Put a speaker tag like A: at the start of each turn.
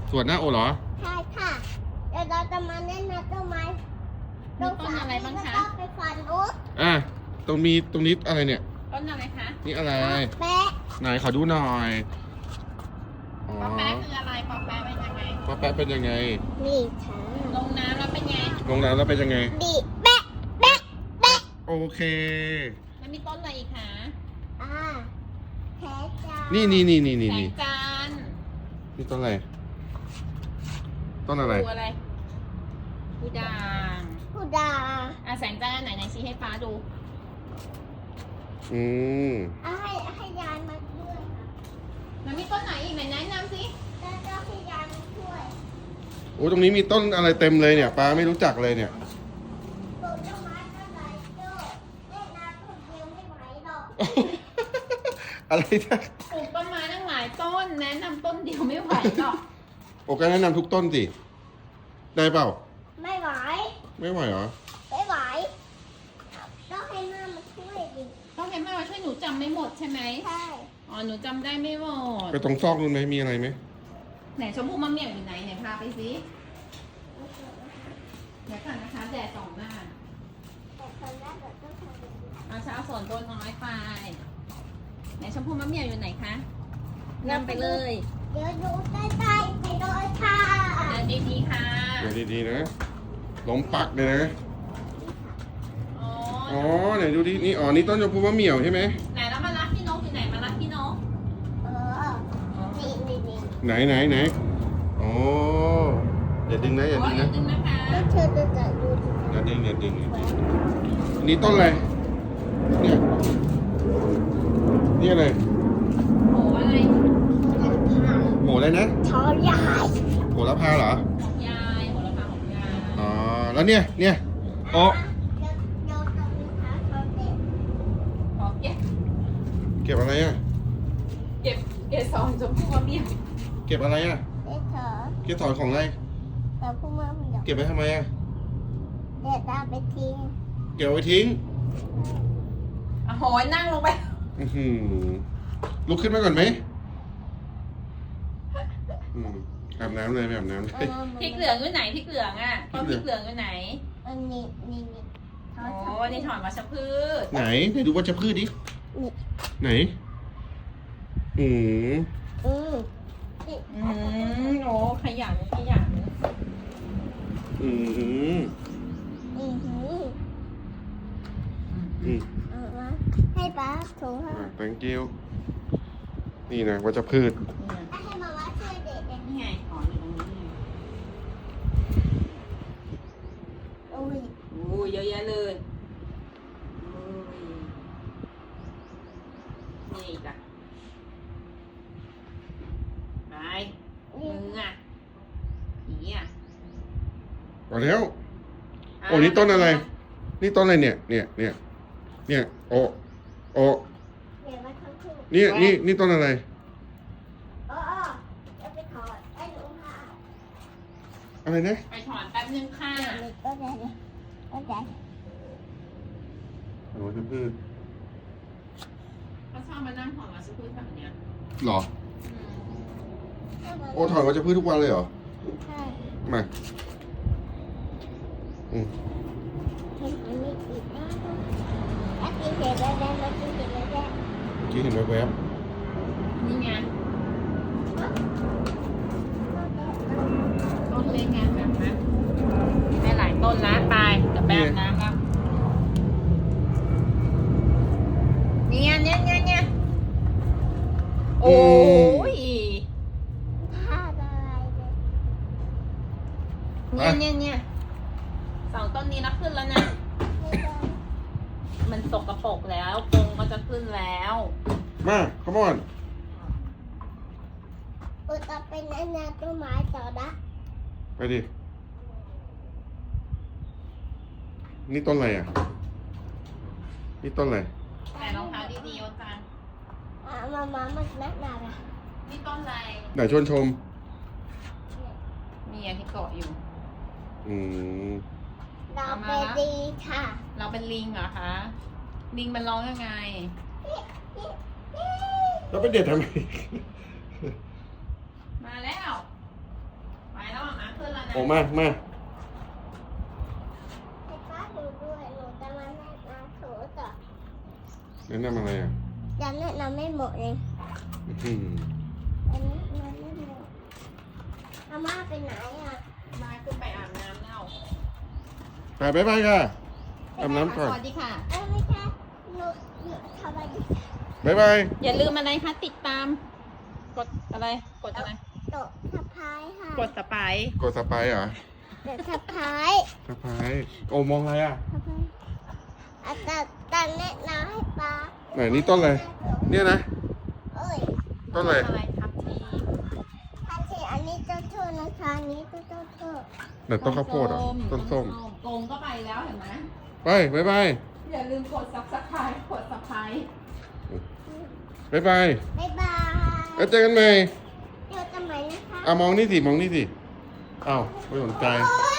A: สวนหน้าโอเหรอ
B: ใช่ค่ะเดี๋ยวเราจะมาแนะนำต้นไม้
C: มีต้นอะไรบ้างคะ
B: แล้วก็ไปฝันนู้น
A: ตรงนี้อะไรเนี่ย
C: ต้นอะไรคะ
A: นี่อะไร
B: แปะ
A: ไหนขอดูหน่อย อ๋อ
C: ปอแป๊ะคืออะไรปอแป๊ะเป็นยังไง
A: ป้าแป๊ะเป็นยังไง
B: นี่ค่ะ
C: ลงน้ำแล้วเป็นไง
A: ลงน้ำแล้วเป็นยังไง
B: ดีแปะแปะแปะ
A: โอเค
C: แล้วมีต้นอะไรอีกคะ
B: อ่าแพ้จ้า
A: นี่
C: แส
A: นี่
C: งจันทร์
A: นี่ต้นอะไร ต้นอะไร
C: ดูอะไรดูด่าง
B: ผู้ดา
C: แสงจันทร์ไหนชี้ให้ฟ้าดู
A: อืม
B: ให้ยายมาช่วยค่ะ
C: แล้วมีต้นไหนอีกไหนแนะนำสิ
B: แล้วก็ให้ยายมาช่วย
A: โอ้ตรงนี้มีต้นอะไรเต็มเลยเนี่ยป้าไม่รู้จักเลยเนี่ย
B: ปลูกต้นไม้ต้นไหนเจ้าเล่นน้ำคนเดียวไม่ไหวหรอก
A: อะไรนะ
C: ปลูกต้นไม้ตั้งหลายต้น แนะนำต้นเดียวไม่ไหวหรอก
A: โอ้ก็แนะนำทุกต้นสิ ได้เปล่า
B: ไม่ไหว
A: ไม่ไหวเหรอ
B: ไม่ไหวต้องให้แม่มาช่วยดิ
C: ต้องให้แม่มาช่วยหนูจำไม่หมดใช่ไหม
B: ใช่
C: อ๋อหนูจำได้ไม่หมด
A: ไปตรงซอกนู้นไหมมีอะไรไหม
C: ไหนชมพู่มะเมี่ยงอยู่ไหนไหนพาไปสิเดี๋ยวก่อนนะคะแดดส่องหน้า
B: แต่คนแรกเราต้องทำแบบนี้
C: เอาเช้าส่วนตัวน้อยไปไหนชมพู่มะเมี่ยงอยู่ไหนคะนำไปเลย
B: เดี๋ยวดูใกล้ๆไปโดยค่ะ
C: เดินดีๆค่ะ
A: เดี๋ยวดีๆนะล้มปักเลยนะ
C: อ๋อ
A: อ๋อไหนดูดินี่อ๋อนี่ต้นชมพูมะเหมี่ยวใช่ไหม
C: ไหนแล้วมารับพี่นกอยู่ไหนมารับพี่นก
B: เออนี่
A: ไหนอ๋ออย่าดึงนะอย่า
C: โอ้
A: ดึ
C: ย
A: ง
C: อย่า
A: นะ
C: ดึงนะคะ
B: แล้วเธอจะจัดดูสิ
A: อย่าดึงอันนี้ต้นอะไรเนี่ยนี่อะไร
C: โหอะไร
A: โหอะไรนะ
B: ชอยาย
A: โหระพาเหรอ
C: ของยายโหระพาของยาย
A: อ๋อแล้วเนี่ยอ๋อ
B: เดี๋ยวจะมีขาเขาเด็ก
C: ขอเก็บ
A: เก็บอะไรอ่ะ
C: เก็บเกสรชมพู่มะเมี่ยง
A: เก็บอะไรอ่ะ
B: เด็กเถอะ
A: เก็บถอนของอะไร
B: แต่พวกมันไม่ยอม
A: เก็บไว้ทำไมอ่ะ
B: เด็กตาไปทิ้ง
A: เก็บเอาไว้ทิ้ง
C: อ่ะโหยนั่งลงไป
A: อื้อหือลุกขึ้นมาก่อนไหมอืมอาบน้ำเลยไม่อาบน้ำเลย
C: พริกเหลืองอยู่ไหนพริกเหลืองอ่ะต้นพริกเหลืองอยู่ไหน
B: อันนี้เขา
C: โอ้นี่ถอนวัชพืช
A: ไหนดูวัชพืชดิ ไหน อืม
B: อืม
C: โอ้ขยัน
A: อืม
B: อืมหืม
A: อืม
B: เอามาให้ป้าถูให้
A: thank you นี่นะวัชพืช
B: ให้มาว่าช่วยเด็ก
C: นี่ไงถอนอยู่ตรงนี้
B: โอ้ย
C: โอ้ยเยอะแยะเลยโอ้ยนี่จ้ะไป
B: นี่
C: มึงอ่ะผีอ่ะ
A: เอาแล้ว โอ้นี่ต้นอะไร นี่ต้นอะไรเนี่ยโอ้โอ้
B: เดี๋ยวมาทำคู่
A: นี่ต้นอะไร
B: อ๋อจะไปถอดไอ้หนูค่ะ
A: อะไรนะ
C: ไปถอนแป๊บนึงค่ะ
B: นี่ก็ได้เลยก็ได้
A: วัชพืช
C: เขาชอบมานั่งถอนวัชพืชแบบเนี้ย
A: หรอ โอ้ถอนวัชพืชทุกวันเลยเหรอ
B: ใช่
A: มาอืม
B: เห็นอันนี้อีกนะอาทิตย์เห็นแล้วได้อาทิตย์เห็นแล้วได้
A: เมื่อกี้เห็นแวบ
C: นี่ไงต้นเล็กไงแบบนั้นได้หลายต้นแล้วไปจะแบกน้ำแล้วเนี่ยโอ้ย
B: ผ้าอะไรเนี่ย
C: เนี่ยสองต้นนี้แล้วขึ้นแล้วนะ
B: ไม่ได้
C: มันสกปรกแล้วกรงก็จะขึ้นแล้ว
A: ๆมาขมอน
B: อุตส่าห์เป็นอันนั้นต้นไม้ต่อนะ
A: ไปดิ นี่ต้นอะไรอ่ะ นี่ต้นอะไร
C: แต่รองเท้าดีๆโอจัน
B: มามันนักหนาละ
C: นี่ต้นอะไร
A: ไหนชวนชม
C: มีอันที่เกาะอยู่
A: อืม
B: เราไปดีค่ะ
C: เราเป็นลิงเหรอคะ ลิงมันร้องยังไง
A: แล้วไปเด็ดทำไม
C: มาแล้ว
A: โอ้มามา
B: ให้ป้าดูด้วยหนูจะมาแนะนำถูต่อ
A: แนะนำอะไรอ่ะ
B: ยังแนะนำไม่หมดเลย
A: อื้อหือ
B: อันนี้มันไม่หมดอาม่าไปไหนอ่ะ
C: มาขึ้นไปอาบน้ำแล้ว
A: ไปบ๊ายบายค่ะอาบน้ำก่อน
C: สวัสดีค่ะ
B: ไม่ใช่หนูทำอะไร
A: บ๊ายบาย
C: อย่าลืมอะไรคะติดตาม กดอะไร กดอะไร
B: โต๊ะสะพายค่ะ
C: กดสไปร์
A: กดสไปร์เหรอ
B: โต๊ะสะพาย
A: สไปร์โอ้มองอะไรอ่ะ
B: สะพายอาจารย์ตังแนะนำให้ป้า
A: ไหนนี่ต้นอะไรเนี่ยนะ
B: เอ้ย
A: ต้นอะไร
C: อะไรทับที
B: ทันทีอันนี้เจ้าโทษนะคะอันนี้เจ้าโทษ
A: ไหนต้นข้าวโพดเหรอต้นส้ม
C: โกงก็ไปแล้วเห็นไหม
A: ไปบ๊ายบาย
C: อย่าลืมกดซับสไครต์กดสไครต์
A: บ๊ายบาย
B: บ๊ายบาย
A: แล้วเจอกันใหม่
B: เดี๋ยวจะไหมนะคะ
A: มองนี่สิมองนี่สิอ้าวไม่สนใจ
B: โอ๊ย